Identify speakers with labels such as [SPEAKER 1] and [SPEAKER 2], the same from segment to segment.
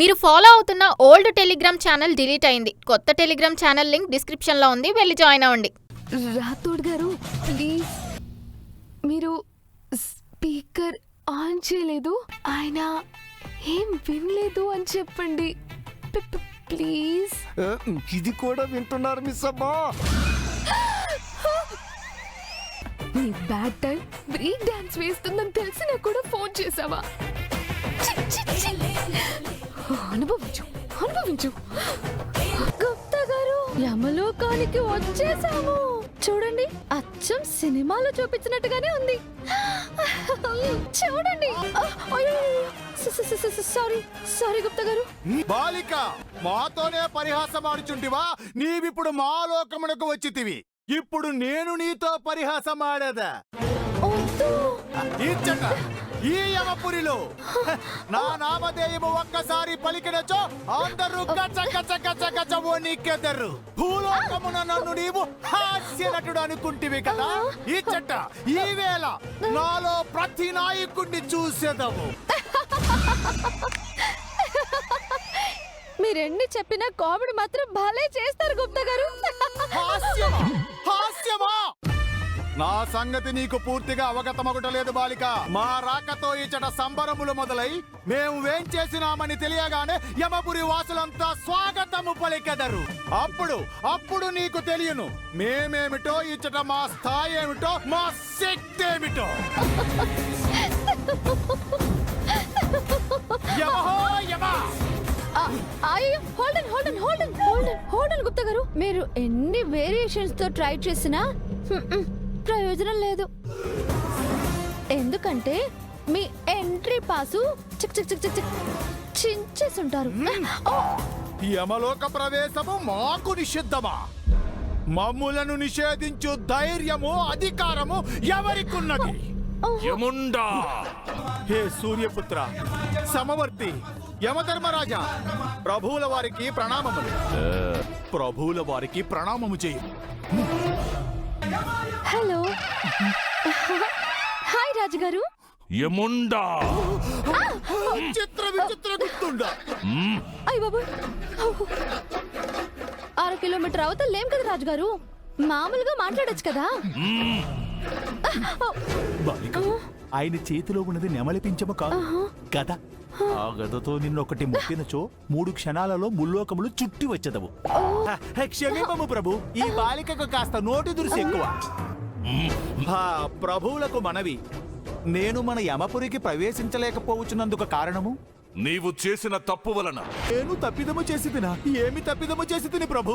[SPEAKER 1] మీరు ఫాలో అవుతున్న old Telegram channel delete అయింది. కొత్త టెలిగ్రామ్ ఛానల్ లింక్ డిస్క్రిప్షన్లో ఉంది, వెళ్ళి జాయిన్ అవ్వండి.
[SPEAKER 2] రాథోడ్ గారు ప్లీజ్, మీరు స్పీకర్ ఆన్ చేయలేదు, ఆయన ఏం వినలేదు అని చెప్పండి ప్లీజ్.
[SPEAKER 3] ఇది కూడా వింటున్నారు మిస్ అమ్మా.
[SPEAKER 2] నీ బ్యాడ్ టైం బ్రేక్ డాన్స్ వేస్తుందని తెలిసినా కూడా ఫోన్ చేసావా? అనుభవించు అనుభవించు. గుప్తా గారు, యమలోకానికి వచ్చేసాము. చూడండి, అచ్చం సినిమాలో చూపించినట్టుగానే ఉంది. చూడండి. సారీ సారీ గుప్తా గారు.
[SPEAKER 3] బాలిక, మాతోనే పరిహాసం ఆడుచుంటివా? నీవిప్పుడు మా లోకమునకు వచ్చితివి. ఇప్పుడు నేను నీతో పరిహాసం ఆడేదా? ఇచ్చట ఈ యమపురిలో నా నామధేయము ఒక్కసారి పలికినచో అందరూ గచ్చ గచ్చ గచ్చ గచ్చ వణికెదరు. భూలోకమున నన్ను నీవు హాస్య నటుడు అనుకుంటివి కదా. ఇచ్చట ఈ వేళ నాలో ప్రతి నాయకుడిని చూసేదము.
[SPEAKER 2] మీరెన్ని చెప్పినా కామెడీ మాత్రం భలే చేస్తారు గుప్తా గారు.
[SPEAKER 3] హాస్యమా? హాస్యమా? నా సంగతి నీకు పూర్తిగా అవగతమగుటలేదు బాలిక. మా రాకతో ఇచ్చట సంబరములు మొదలై మేము వేం చేసినామని తెలియగానే యమపురి వాసులంతా స్వాగతము పలికెదరు. అప్పుడు నీకు తెలియను మేమేమిటో, ఇచ్చట మా స్థాయి ఏమిటో, మా శక్తి ఏమిటో.
[SPEAKER 2] గుప్తా గారు, మీరు ఎన్ని వేరియేషన్స్ తో ట్రై చేసినా ప్రయోజనం లేదు. ఎందుకంటే మీ ఎంట్రీ పాసు చిక్ చిక్ చిక్ చిక్ చిక్ చించేసుంటారు.
[SPEAKER 3] యమలోక ప్రవేశము మాకు నిషిద్ధమా? మమ్ములను నిషేధించు ధైర్యము, అధికారము ఎవరికున్నది? యముండా, హే సూర్యపుత్ర, సమవర్తి, యమధర్మరాజా, ప్రభువుల వారికి ప్రణామములు. ప్రభువుల వారికి ప్రణామము చేయి.
[SPEAKER 2] హలో, హాయ్ రాజుగారు.
[SPEAKER 4] యముండా,
[SPEAKER 3] చిత్ర విచిత్ర గుర్తుండా.
[SPEAKER 2] అయ్య బాబు, 6 కిలోమీటర్ అవతల లేం కదా రాజుగారు, మామూలుగా మాట్లాడొచ్చు కదా.
[SPEAKER 3] బాలిక, ఆయన చేతిలో ఉన్నది నెమలిపించము కాదు, గద. ఆ గదతో నిన్నొకటి ముట్టినచో 3 క్షణాలలో ముల్లోకములు చుట్టి వచ్చేదవు. క్షమింపము ప్రభు, ఈ బాలికకు కాస్త నోటి దురుసు ఎక్కువ. ప్రభువులకు మనవి, నేను మన యమపురికి ప్రవేశించలేకపోవచ్చున్నందుకు కారణము
[SPEAKER 4] నీవు చేసిన తప్పు వలన.
[SPEAKER 3] నేను తప్పిదము చేసి తినా? ఏమి తప్పిదము చేసి తిని ప్రభు?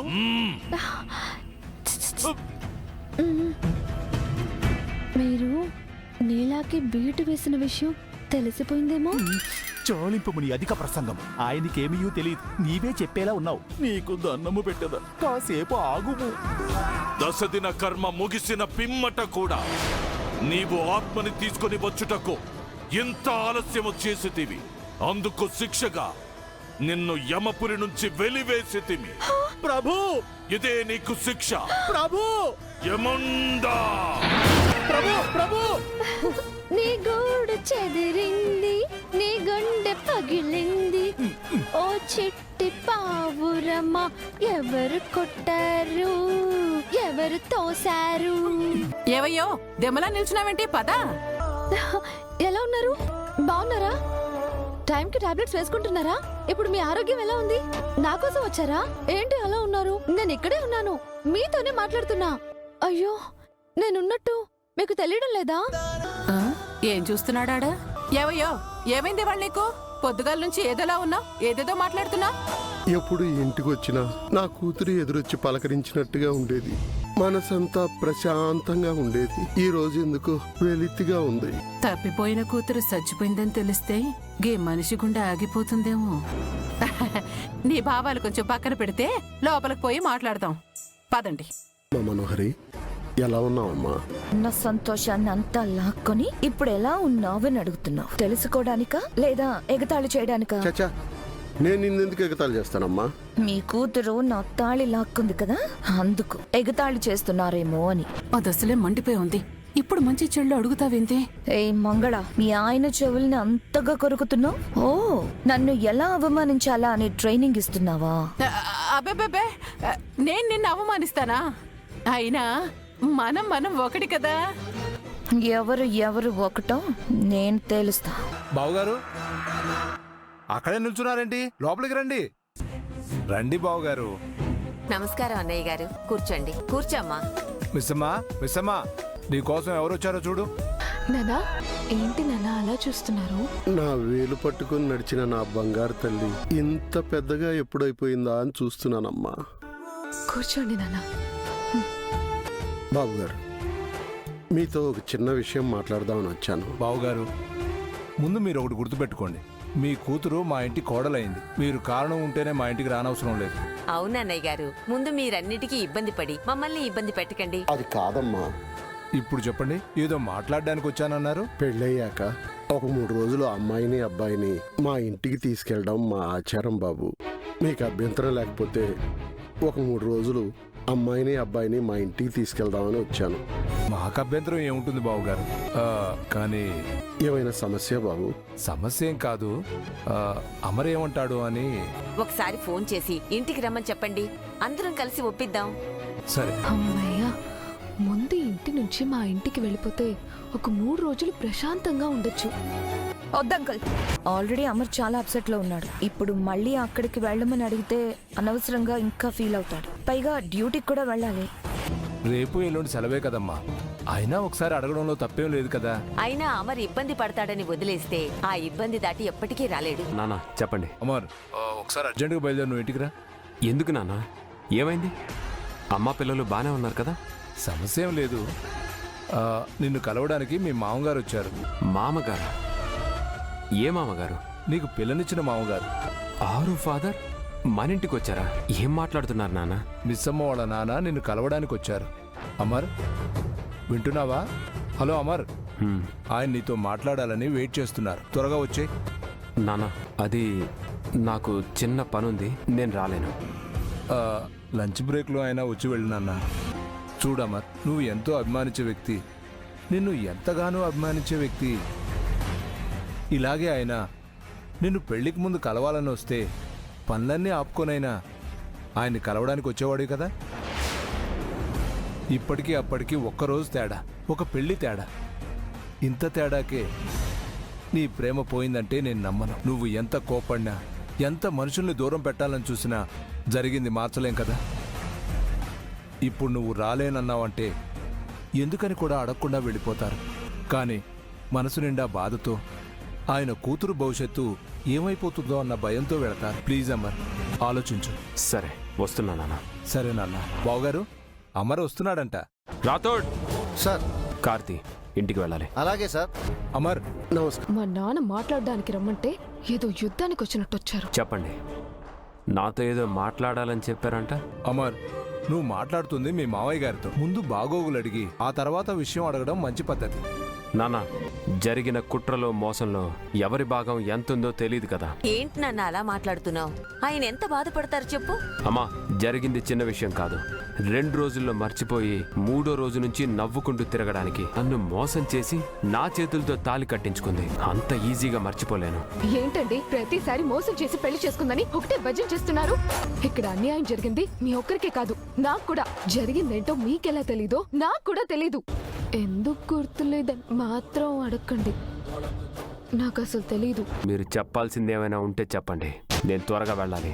[SPEAKER 2] మీరు నీలాకి బీటు వేసిన విషయం తెలిసిపోయిందేమో.
[SPEAKER 3] చాలింపుని అధిక ప్రసంగం. ఆయనకేమీ తెలియదు, నీవే చెప్పేలా ఉన్నావు. నీకు దన్నము పెట్టదా, కాసేపు ఆగుము.
[SPEAKER 4] 10 దిన కర్మ ముగిసిన పిమ్మట కూడా నీవు ఆత్మని తీసుకొని వచ్చుటకు ఎంత ఆలస్యము చేసితివి. అందుకు శిక్షగా నిన్ను యమపురి నుంచి వెలివేసితిమి.
[SPEAKER 3] ప్రభు,
[SPEAKER 4] ఇదే నీకు శిక్ష.
[SPEAKER 3] ప్రభు,
[SPEAKER 4] యముండా,
[SPEAKER 3] ప్రభు, ప్రభు.
[SPEAKER 2] నీ గూడు చెదిరింది, నీ గుండె పగిలింది. ఓ చిట్టి పావురమా, ఎవరు కొట్టారు, ఎవరు తోశారు?
[SPEAKER 5] ఏవయ్యో, దెమ్మలా నిల్చున్నావేంటి? పదా.
[SPEAKER 2] ఎలా ఉన్నారు? బాగున్నారా? టైంకి టాబ్లెట్స్ వేసుకుంటున్నారా? ఇప్పుడు మీ ఆరోగ్యం ఎలా ఉంది? నా కోసం వచ్చారా ఏంటి అలా ఉన్నారు? నేను ఇక్కడే ఉన్నాను, మీతోనే మాట్లాడుతున్నా. అయ్యో, నేనున్నట్టు మీకు తెలియడం లేదా?
[SPEAKER 5] ఏం చూస్తున్నాడా? ఏవయ్యో, ఏమైంది వాళ్ళు నీకు? పొద్దుగాల నుంచి ఏదోలా ఉన్నావు, ఏదేదో మాట్లాడుతున్నా.
[SPEAKER 6] ఎప్పుడు ఇంటికి వచ్చినా నా కూతురు ఎదురొచ్చి పలకరించినట్టుగా ఉండేది. మనసంతా ప్రశాంతంగా ఉండేది. ఈ రోజు ఎందుకు వెలితిగా ఉంది.
[SPEAKER 5] తప్పిపోయిన కూతురు చచ్చిపోయిందని తెలిస్తే గీ మనిషి గుండె ఆగిపోతుందేమో. నీ భావాలు కొంచెం పక్కన పెడితే లోపలికి పోయి మాట్లాడదాం. పదండి.
[SPEAKER 6] మా మనోహరి, ఎలా ఉన్నావమ్మా?
[SPEAKER 7] నా సంతోషాన్ని అంతా లాక్కొని ఇప్పుడు ఎలా ఉన్నావని అడుగుతున్నావు. తెలుసుకోవడానికా లేదా ఎగతాళి చేయడానికా?
[SPEAKER 6] చచ్చా, నేను నిన్నెందుకు ఎగతాళి చేస్తానమ్మా?
[SPEAKER 7] మీ కూతురు నా తాళి లాక్కుంది కదా, అందుకు ఎగతాళి చేస్తున్నారేమో అని.
[SPEAKER 5] ఆ దశలే మండిపోయి ఉంది. ఇప్పుడు మంచి చెళ్ళు అడుగుతావేంటి?
[SPEAKER 7] ఏ మంగళ, మీ ఆయన చెవుల్ని అంతగా కొరుకుతున్నావు? ఓ, నన్ను ఎలా అవమానించాలా అని ట్రైనింగ్ ఇస్తున్నావా?
[SPEAKER 5] అబ్బే, నేను నిన్ను అవమానిస్తానా? అయినా మనం ఒకటి కదా.
[SPEAKER 7] ఎవరు ఒకటో నేను తేలుస్తా.
[SPEAKER 8] బావుగారు అక్కడే నిల్చున్నారేంటి? లోపలికి రండి. రండి బావుగారు.
[SPEAKER 9] నమస్కారం అన్నయ్య గారు, కూర్చోండి. కూర్చోమ్మా.
[SPEAKER 8] మిస్సమ్మా నీకోసం ఎవరు వచ్చారో చూడు.
[SPEAKER 2] నానా, ఏంటి నానా అలా చూస్తున్నారు?
[SPEAKER 6] నా వేలు పట్టుకుని నడిచిన నా బంగారు తల్లి ఇంత పెద్దగా ఎప్పుడైపోయిందా అని చూస్తున్నానమ్మా.
[SPEAKER 2] కూర్చోండి నానా.
[SPEAKER 6] బాబు గారు, మీతో ఒక చిన్న విషయం మాట్లాడదామని వచ్చాను.
[SPEAKER 8] బావుగారు, ముందు మీరు ఒకటి గుర్తుపెట్టుకోండి. మీ కూతురు మా ఇంటి కోడలైంది. మీరు కారణం ఉంటేనే మా ఇంటికి రానవసరం లేదు.
[SPEAKER 9] అవునన్నయ్య గారు, ముందు మీరన్నిటికీ ఇబ్బంది పడి మమ్మల్ని ఇబ్బంది పెట్టకండి.
[SPEAKER 6] అది కాదమ్మా.
[SPEAKER 8] ఇప్పుడు చెప్పండి, ఏదో మాట్లాడడానికి వచ్చానన్నారు.
[SPEAKER 6] పెళ్ళయ్యాక ఒక 3 రోజులు అమ్మాయిని అబ్బాయిని మా ఇంటికి తీసుకెళ్ళడం మా ఆచారం బాబు. మీకు అభ్యంతరం లేకపోతే ఒక 3 రోజులు అమ్మాయిని అబ్బాయిని మా ఇంటికి తీసుకెళ్దామని వచ్చాను.
[SPEAKER 8] మాకు అభ్యంతరం ఏముంటుంది బావుగారు. కానీ
[SPEAKER 6] ఏమైనా సమస్య బాబు?
[SPEAKER 8] సమస్య ఏం కాదు. అమర్ ఏమంటాడు అని.
[SPEAKER 9] ఒకసారి ఫోన్ చేసి ఇంటికి రమ్మని చెప్పండి, అందరం కలిసి ఒప్పిద్దాం.
[SPEAKER 8] సరే.
[SPEAKER 2] అమ్మయ్య, ముందు ఇంటి నుంచి మా ఇంటికి వెళ్ళిపోతే ఒక 3 రోజులు ప్రశాంతంగా ఉండొచ్చు.
[SPEAKER 7] వద్దంకల్, ఆల్రెడీ అమర్ చాలా అప్సెట్ లో ఉన్నాడు. ఇప్పుడు మళ్ళీ అక్కడికి వెళ్ళమని అడిగితే అనవసరంగా ఇంకా ఫీల్ అవుతాడు. పైగా డ్యూటీకి కూడా వెళ్ళాలి.
[SPEAKER 8] రేపు ఎల్లుండి సెలవే కదమ్మా. అయినా ఒకసారి అడగడంలో తప్పేం లేదు కదా.
[SPEAKER 9] అయినా అమర్ ఇబ్బంది పడతాడని వదిలేస్తే ఆ ఇబ్బంది దాటి ఎప్పటికీ రాలేడు.
[SPEAKER 10] నానా చెప్పండి.
[SPEAKER 8] అమర్, ఒకసారి అర్జెంటుగా బయలుదేరి నువ్వు ఇంటికి రా.
[SPEAKER 10] ఎందుకు నానా? ఏమైంది? అమ్మా పిల్లలు బాగానే ఉన్నారు కదా?
[SPEAKER 8] సమస్య ఏం లేదు. నిన్ను కలవడానికి మీ మామగారు వచ్చారు.
[SPEAKER 10] మామగారు? ఏ మామగారు?
[SPEAKER 8] నీకు పిల్లనిచ్చిన మామగారు.
[SPEAKER 10] ఆరు ఫాదర్ మన ఇంటికి వచ్చారా? ఏం మాట్లాడుతున్నారు నాన్న?
[SPEAKER 8] మిస్సమ్మ వాళ్ళ నాన్న నిన్ను కలవడానికి వచ్చారు. అమర్, వింటున్నావా? హలో అమర్, ఆయన నీతో మాట్లాడాలని వెయిట్ చేస్తున్నారు. త్వరగా వచ్చే.
[SPEAKER 10] నానా, అది నాకు చిన్న పనుంది, నేను రాలేను.
[SPEAKER 8] లంచ్ బ్రేక్లో అయినా వచ్చి వెళ్ళినన్నా. చూడమర్, నువ్వు ఎంతో అభిమానించే వ్యక్తి, నిన్ను ఎంతగానో అభిమానించే వ్యక్తి. ఇలాగే ఆయన నిన్ను పెళ్లికి ముందు కలవాలని వస్తే పనులన్నీ ఆపుకొనైనా ఆయన్ని కలవడానికి వచ్చేవాడు కదా. ఇప్పటికీ అప్పటికి ఒక్కరోజు తేడా, ఒక పెళ్లి తేడా. ఇంత తేడాకే నీ ప్రేమ పోయిందంటే నేను నమ్మను. నువ్వు ఎంత కోపడినా, ఎంత మనుషుల్ని దూరం పెట్టాలని చూసినా జరిగింది మార్చలేం కదా. ఇప్పుడు నువ్వు రాలేనన్నావంటే ఎందుకని కూడా అడగకుండా వెళ్ళిపోతారు. కానీ మనసు నిండా బాధతో, ఆయన కూతురు భవిష్యత్తు ఏమైపోతుందో అన్న భయంతో వెళతారు. ప్లీజ్ అమర్, ఆలోచించు.
[SPEAKER 10] సరే, వస్తున్నా నాన్న.
[SPEAKER 8] సరే నాన్న. బావగారు, అమర్ వస్తున్నాడంట.
[SPEAKER 10] రాథోడ్
[SPEAKER 3] సార్.
[SPEAKER 10] కార్తీ, ఇంటికి వెళ్ళాలి.
[SPEAKER 3] అలాగే సార్.
[SPEAKER 8] అమర్,
[SPEAKER 6] నమస్కారం.
[SPEAKER 2] మా నాన్న మాట్లాడడానికి రమ్మంటే ఏదో యుద్ధానికి వచ్చినట్టు వచ్చారు.
[SPEAKER 10] చెప్పండి, నాతో ఏదో మాట్లాడాలని చెప్పారంట.
[SPEAKER 8] అమర్, నువ్వు మాట్లాడుతుంది మీ మావయ్య గారితో. ముందు బాగోగులు అడిగి ఆ తర్వాత విషయం అడగడం మంచి పద్ధతి.
[SPEAKER 10] నాన్న, జరిగిన కుట్రలో మోసంలో ఎవరి భాగం ఎంతుందో తెలియదు కదా.
[SPEAKER 9] ఏంటి నాన్న అలా మాట్లాడుతున్నావు? ఆయన ఎంత బాధపడతారు చెప్పు.
[SPEAKER 10] అమ్మా, జరిగింది చిన్న విషయం కాదు. 2 రోజుల్లో మర్చిపోయి 3వ రోజు నుంచి నవ్వుకుంటూ తిరగడానికి నన్ను మోసం చేసి నా చేతులతో తాళి కట్టించుకుంది. అంత ఈజీగా మర్చిపోలేను.
[SPEAKER 2] ఏంటండి ప్రతిసారి మోసం చేసి పెళ్లి చేసుకుందని ఒకటే భజన చేస్తున్నారు? ఇక్కడ అన్యాయం జరిగింది మీ ఒక్కరికే కాదు, నాకు కూడా. జరిగిందేంటో మీకెలా తెలీదో నాకు కూడా తెలీదు. ఎందుకు గుర్తులేదని మాత్రం అడగండి, నాకు అసలు తెలీదు.
[SPEAKER 10] మీరు చెప్పాల్సింది ఏమైనా ఉంటే చెప్పండి, నేను త్వరగా వెళ్ళాలి.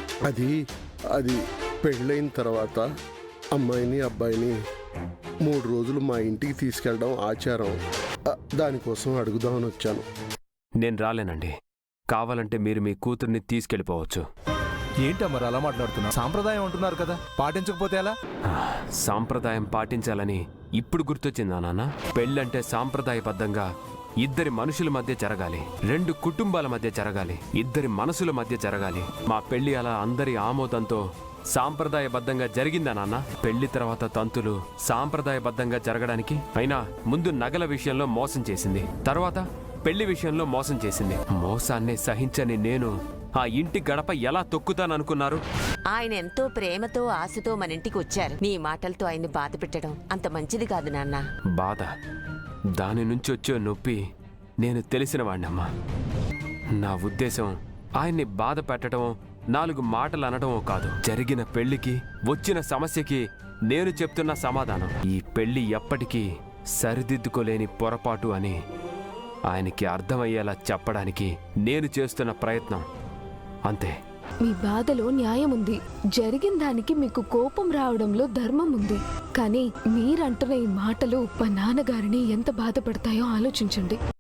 [SPEAKER 6] అది పెళ్ళైన తర్వాత అమ్మాయిని అబ్బాయిని 3 రోజులు మా ఇంటికి తీసుకెళ్ళడం ఆచారం. దానికోసం అడుగుదామని వచ్చాను.
[SPEAKER 10] నేను రాలేనండి. కావాలంటే మీరు మీ కూతుర్ని తీసుకెళ్ళిపోవచ్చు.
[SPEAKER 8] ఏంటి మరి అలా మాట్లాడుతున్నా? సాంప్రదాయం అంటున్నారు కదా, పాటించకపోతే ఎలా?
[SPEAKER 10] సాంప్రదాయం పాటించాలని ఇప్పుడు గుర్తొచ్చిందా నాన్న? పెళ్ళంటే సాంప్రదాయబద్ధంగా 2 మనుషుల మధ్య జరగాలి, 2 కుటుంబాల మధ్య జరగాలి, 2 మనసుల మధ్య జరగాలి. మా పెళ్లి అలా అందరి ఆమోదంతో సాంప్రదాయబద్ధంగా జరిగిందా నాన్న? పెళ్లి తర్వాత తంతులు సాంప్రదాయబద్ధంగా జరగడానికి అయినా ముందు నగల విషయంలో మోసం చేసింది, తర్వాత పెళ్లి విషయంలో మోసం చేసింది. మోసాన్ని సహించని నేను ఆ ఇంటి గడప ఎలా తొక్కుతాననుకున్నారు?
[SPEAKER 9] ఆయన ఎంతో ప్రేమతో ఆశతో మన ఇంటికి వచ్చారు. నీ మాటలతో ఆయన్ని బాధ పెట్టడం అంత మంచిది కాదు నాన్న.
[SPEAKER 10] బాధ, దాని నుంచి వచ్చే నొప్పి నేను తెలిసిన వాడినమ్మా. నా ఉద్దేశం ఆయన్ని బాధ పెట్టడం, 4 మాటలు అనడమో కాదు. జరిగిన పెళ్లికి, వచ్చిన సమస్యకి నేను చెప్తున్న సమాధానం ఈ పెళ్లి ఎప్పటికీ సరిదిద్దుకోలేని పొరపాటు అని ఆయనకి అర్థమయ్యేలా చెప్పడానికి నేను చేస్తున్న ప్రయత్నం అంతే.
[SPEAKER 2] మీ బాధలో న్యాయం ఉంది. జరిగిన దానికి మీకు కోపం రావడంలో ధర్మం ఉంది. కానీ మీరంటున్న ఈ మాటలు మా నాన్నగారిని ఎంత బాధపడతాయో ఆలోచించండి.